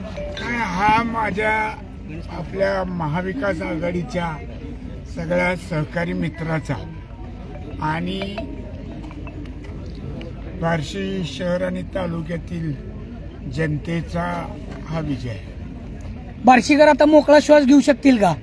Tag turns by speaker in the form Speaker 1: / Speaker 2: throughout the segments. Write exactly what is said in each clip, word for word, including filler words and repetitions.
Speaker 1: काय हा माझ्या आपल्या महाविकास आघाडीच्या सगळ्या सहकारी मित्राचा आणि बार्शी शहर आणि तालुक्यातील जनतेचा हा विजय आहे.
Speaker 2: बार्शीकर आता मोकळा श्वास घेऊ शकतील का?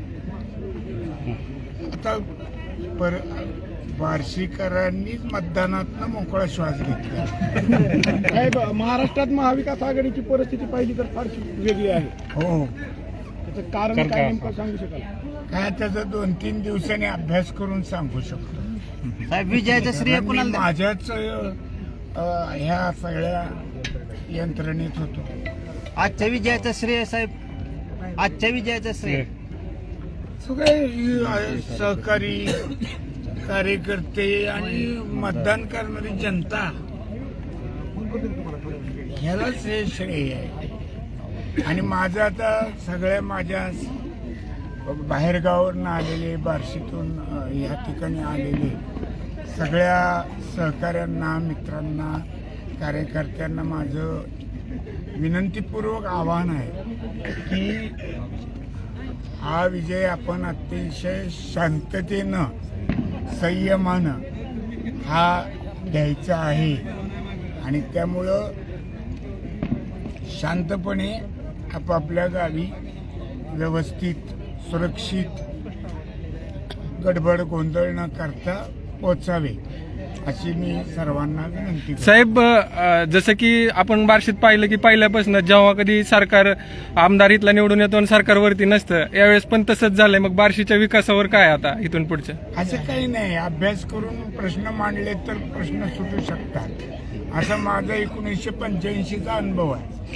Speaker 1: आता पर बार्शीकरांनीच मतदानातनं मोकळा श्वास घेतला.
Speaker 3: साहेब, महाराष्ट्रात महाविकास आघाडीची परिस्थिती पाहिली तर फारशी वेगळी आहे.
Speaker 1: हो,
Speaker 3: त्याचं कारण काय नेमकं सांगू शकाल?
Speaker 1: काय त्याचा दोन तीन दिवसांनी अभ्यास करून सांगू शकतो.
Speaker 4: साहेब, विजयाचं श्रेय
Speaker 1: मी
Speaker 4: कुणाला?
Speaker 1: माझ्याच अ, ह्या सगळ्या यंत्रणेत होतो.
Speaker 4: आजच्या विजयाचं श्रेय साहेब, आजच्या विजयाचं श्रेय
Speaker 1: सगळे अ, सहकारी कार्यकर्ते आणि मतदान करणारी जनता ह्यालाच हे श्रेय आहे. आणि माझं आता सगळ्या माझ्या बाहेरगावावरून आलेले, बार्शीतून अ, ह्या ठिकाणी आलेले सगळ्या सहकाऱ्यांना, मित्रांना, कार्यकर्त्यांना माझं विनंतीपूर्वक आवाहन आहे की हा विजय आपण अतिशय शांततेनं, संयमानं हा घ्यायचा आहे. आणि त्यामुळं शांतपणे आपापल्या गावी व्यवस्थित, सुरक्षित, गडबड गोंधळ न करता पोचावे अशी मी सर्वांना विनंती करतो.
Speaker 5: साहेब, अ, जसं की आपण बार्शीत पाहिलं की पहिल्यापासून जेव्हा कधी सरकार आमदार इथला निवडून येतो आणि सरकारवरती नसतं, यावेळेस पण तसंच झालंय. मग बार्शीच्या विकासावर काय आता इथून पुढचं?
Speaker 1: असं काही नाही, अभ्यास करून प्रश्न मांडले तर प्रश्न सुटू शकतात, असा माझा एकोणीसशे पंच्याऐंशीचा अनुभव आहे.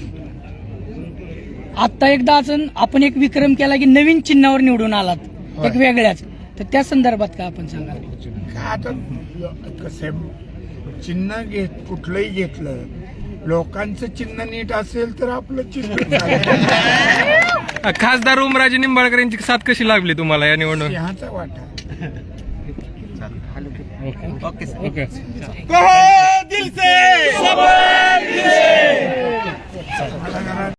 Speaker 2: आता एकदा अजून आपण एक विक्रम केला की नवीन चिन्हावर निवडून आलात, एक वेगळ्याच, तर त्या संदर्भात काय आपण सांगाल?
Speaker 1: का आता कसं चिन्ह घेत कुठलंही घेतलं, लोकांचं चिन्ह नीट असेल तर आपलं चिन्ह चालेल.
Speaker 5: खासदार ओमराजे निंबाळकर यांची साथ कशी लागली तुम्हाला या निवडणूक?
Speaker 1: सिंहाचा वाटा.
Speaker 4: Okay sir.
Speaker 5: ओके.
Speaker 3: दिल से